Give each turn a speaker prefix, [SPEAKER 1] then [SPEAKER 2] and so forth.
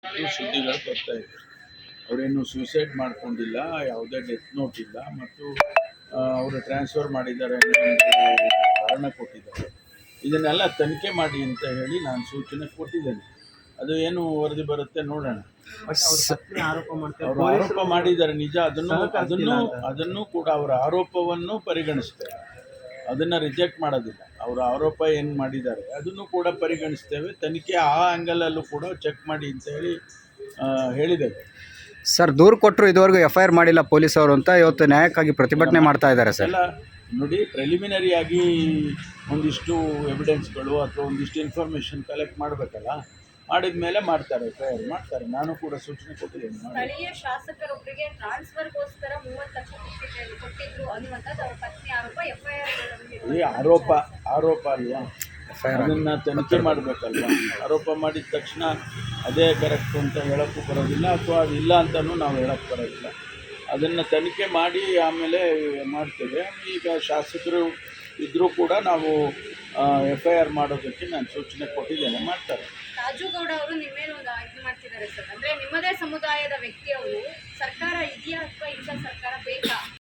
[SPEAKER 1] ಸುದ್ದಿಗಳು ಬರ್ತಾ ಇದೆ. ಅವರೇನು ಸೂಸೈಡ್ ಮಾಡ್ಕೊಂಡಿಲ್ಲ, ಯಾವುದೇ ಡೆತ್ ನೋಟ್ ಇಲ್ಲ, ಮತ್ತು ಅವರು ಟ್ರಾನ್ಸ್ಫರ್ ಮಾಡಿದ್ದಾರೆ ಅನ್ನೋ ಒಂದು ಕಾರಣ ಕೊಟ್ಟಿದ್ದಾರೆ. ಇದನ್ನೆಲ್ಲ ತನಿಖೆ ಮಾಡಿ ಅಂತ ಹೇಳಿ ನಾನು ಸೂಚನೆ ಕೊಟ್ಟಿದ್ದೇನೆ. ಅದು ಏನು ವರದಿ ಬರುತ್ತೆ ನೋಡೋಣ. ಅವರು ಆರೋಪ ಮಾಡಿದ್ದಾರೆ ನಿಜ, ಅದನ್ನು ಕೂಡ ಅವರ ಆರೋಪವನ್ನು ಪರಿಗಣಿಸ್ತೇವೆ, ಅದನ್ನು ರಿಜೆಕ್ಟ್ ಮಾಡೋದಿಲ್ಲ. ಅವರ ಆರೋಪ ಏನು ಮಾಡಿದ್ದಾರೆ ಅದನ್ನು ಕೂಡ ಪರಿಗಣಿಸ್ತೇವೆ. ತನಿಖೆ ಆ ಆ್ಯಂಗಲಲ್ಲೂ ಕೂಡ ಚೆಕ್ ಮಾಡಿ ಅಂತ ಹೇಳಿ ಹೇಳಿದ್ದೇವೆ.
[SPEAKER 2] ಸರ್, ದೂರು ಕೊಟ್ಟರು ಇದುವರೆಗೂ FIR ಮಾಡಿಲ್ಲ ಪೊಲೀಸವರು ಅಂತ ಇವತ್ತು ನ್ಯಾಯಕ್ಕಾಗಿ ಪ್ರತಿಭಟನೆ ಮಾಡ್ತಾ ಇದ್ದಾರೆ ಸರ್.
[SPEAKER 1] ಎಲ್ಲ ನೋಡಿ, ಪ್ರಿಲಿಮಿನರಿಯಾಗಿ ಒಂದಿಷ್ಟು ಎವಿಡೆನ್ಸ್ಗಳು ಅಥವಾ ಒಂದಿಷ್ಟು ಇನ್ಫಾರ್ಮೇಷನ್ ಕಲೆಕ್ಟ್ ಮಾಡಬೇಕಲ್ಲ, ಮಾಡಿದ ಮೇಲೆ ಮಾಡ್ತಾರೆ, FIR ಮಾಡ್ತಾರೆ. ನಾನು ಕೂಡ ಸೂಚನೆ ಕೊಟ್ಟಿದ್ದೇನೆ.
[SPEAKER 3] ಸ್ಥಳೀಯ ಶಾಸಕರೊಬ್ಬರಿಗೆ ಟ್ರಾನ್ಸ್ಫರ್ಗೋಸ್ಕರ 30 ಲಕ್ಷ ಕೊಟ್ಟಿದ್ರು ಅನ್ನುವಂಥದ್ದು ಅವರ ಪತ್ನಿ ಆರೋಪ. FIR
[SPEAKER 1] ಆರೋಪ ಅಲ್ವಾ, ಅದನ್ನು ತನಿಖೆ ಮಾಡಬೇಕಲ್ವ. ಆರೋಪ ಮಾಡಿದ ತಕ್ಷಣ ಅದೇ ಕರೆಕ್ಟ್ ಅಂತ ಹೇಳೋಕ್ಕೂ ಬರೋದಿಲ್ಲ, ಅಥವಾ ಅದಿಲ್ಲ ಅಂತಲೂ ನಾವು ಹೇಳೋಕ್ಕೆ ಬರೋದಿಲ್ಲ. ಅದನ್ನು ತನಿಖೆ ಮಾಡಿ ಆಮೇಲೆ ಮಾಡ್ತೇವೆ. ಈಗ ಶಾಸಕರು ಇದ್ದರೂ ಕೂಡ ನಾವು FIR ಮಾಡೋದಕ್ಕೆ ನಾನು ಸೂಚನೆ ಕೊಟ್ಟಿದ್ದೇನೆ, ಮಾಡ್ತಾರೆ.
[SPEAKER 3] ರಾಜುಗೌಡ ಅವರು ನಿಮ್ಮ ಮೇಲೆ ಒಂದು ಇದು ಮಾಡ್ತಿದ್ದಾರೆ ಸರ್, ಅಂದರೆ ನಿಮ್ಮದೇ ಸಮುದಾಯದ ವ್ಯಕ್ತಿ ಅವರು. ಸರ್ಕಾರ ಇದೆಯಾ ಅಥವಾ ಇಂಥ ಸರ್ಕಾರ ಬೇಕಾ?